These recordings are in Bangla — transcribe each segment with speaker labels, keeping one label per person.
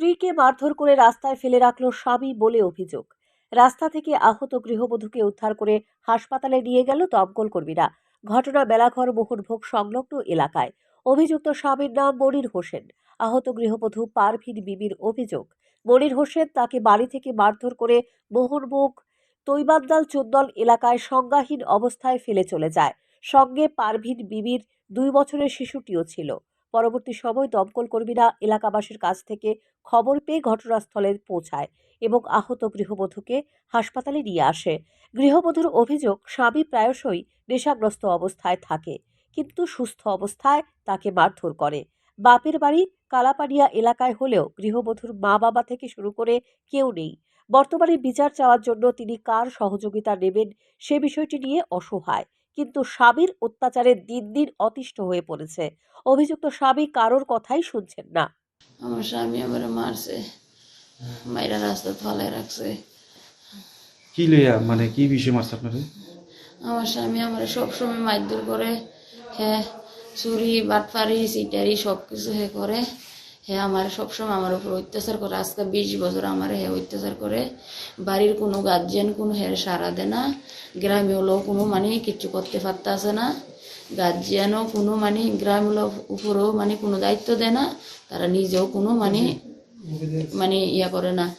Speaker 1: স্ত্রীকে মারধর করে রাস্তায় ফেলে রাখল স্বামী বলে অভিযোগ। রাস্তা থেকে আহত গৃহবধূকে উদ্ধার করে হাসপাতালে নিয়ে গেল দমকল কর্মীরা। ঘটনা মেলাঘর মোহনভোগ সংলগ্ন এলাকায়। অভিযুক্ত স্বামীর নাম মনির হোসেন। আহত গৃহবধূ পারভিন বিবির অভিযোগ, মনির হোসেন তাকে বাড়ি থেকে মারধর করে মোহনভোগ তৈবাদ্দাল চোদ্দল এলাকায় সংজ্ঞাহীন অবস্থায় ফেলে চলে যায়। সঙ্গে পারভিন বিবির 2 বছরের শিশুটিও ছিল। পরবর্তী সময় দমকল কর্মীরা এলাকাবাসীর কাছ থেকে খবর পেয়ে ঘটনাস্থলে পৌঁছায় এবং আহত গৃহবধূকে হাসপাতালে নিয়ে আসে। গৃহবধূর অভিযোগ, স্বামী প্রায়শই নেশাগ্রস্ত অবস্থায় থাকে, কিন্তু সুস্থ অবস্থায় তাকে মারধর করে। বাপের বাড়ি কালাপানিয়া এলাকায় হলেও গৃহবধূর মা বাবা থেকে শুরু করে কেউ নেই। বর্তমানে বিচার চাওয়ার জন্য তিনি কার সহযোগিতা নেবেন সে বিষয়টি নিয়ে অসহায়, কিন্তু স্বামীর অত্যাচারে দিন দিন অতিষ্ঠ হয়ে পড়েছে। অভিযুক্ত স্বামী কারোর কথাই শুনছেন না।
Speaker 2: আমার স্বামী আমার মারছে, মাইরা রাস্তা ফালায় রাখছে।
Speaker 3: কি লইয়া মানে কি বিষয় মারছে আপনারে?
Speaker 2: আমার স্বামী আমার সবসময় মারধর করে। হ্যাঁ, চুরি বাটফারি সিটারি সব কিছু হে করে। হ্যাঁ, আমার সবসময় আমার উপর অত্যাচার করে। আজকে 20 বছর আমার হ্যাঁ অত্যাচার করে। বাড়ির কোনো গার্জিয়ান কোনো হ্যাঁ সাড়া দেয় না। গ্রামে হলেও কোনো মানে কিচ্ছু করতে পারতেছে না। গার্জিয়ানও কোনো মানে গ্রামের উপরেও মানে কোনো দায়িত্ব দেয় না। তারা নিজেও কোনো মানে ইয়া করে না।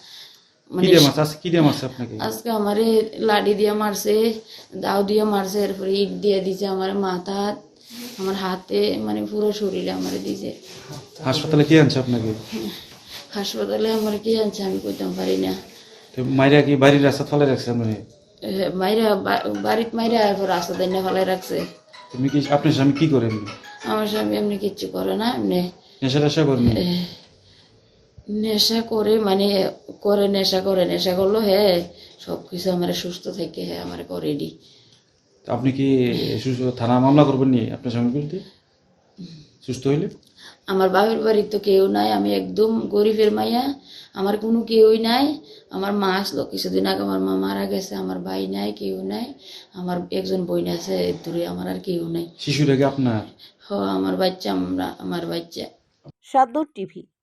Speaker 2: আজকে আমারে লাঠি দিয়ে মারছে, দাও দিয়ে মারছে, এরপরে ইট দিয়ে দিছে আমার মাথা, আমার হাতে, মানে পুরো শরীরে আমারে দিছে।
Speaker 3: হাসপাতালে কি আনছে আপনাকে?
Speaker 2: হাসপাতালে আমার কি আনছে আমি কইতাম পারি না।
Speaker 3: মাইরা কি বাড়ির রাস্তা ফেলে রাখছে?
Speaker 2: মাইরা বাড়িতে মাইরা এরপর রাস্তা দিয়ে ফেলাই রাখছে।
Speaker 3: তুমি কি আপনার স্বামী কি করেন?
Speaker 2: আমার স্বামী এমনি কিচ্ছু করে না, এমনি
Speaker 3: নেশা করেন?
Speaker 2: নেশা করে মানে করে নেশা করলো। হ্যাঁ, সবকিছু আমার সুস্থ থেকে হ্যাঁ আমার করে দি।
Speaker 3: আপনি কি থানা মামলা করবেন নি আপনার স্বামীর বিরুদ্ধে সুস্থ হইলে?
Speaker 2: আমার বাপের বাড়ি তো কেউ নাই, আমি একদম গরিবের মাইয়া, আমার কোনো কেউই নাই। আমার মা আসলো কিছুদিন আগে, আমার মা মারা গেছে, আমার ভাই নাই, কেউ নাই। আমার একজন বোন আছে দূরে, আমার আর কেউ নাই।
Speaker 3: শিশুটাকে আপনার?
Speaker 2: আমার বাচ্চা, আমার বাচ্চা।
Speaker 1: সাদ্দর টিভি।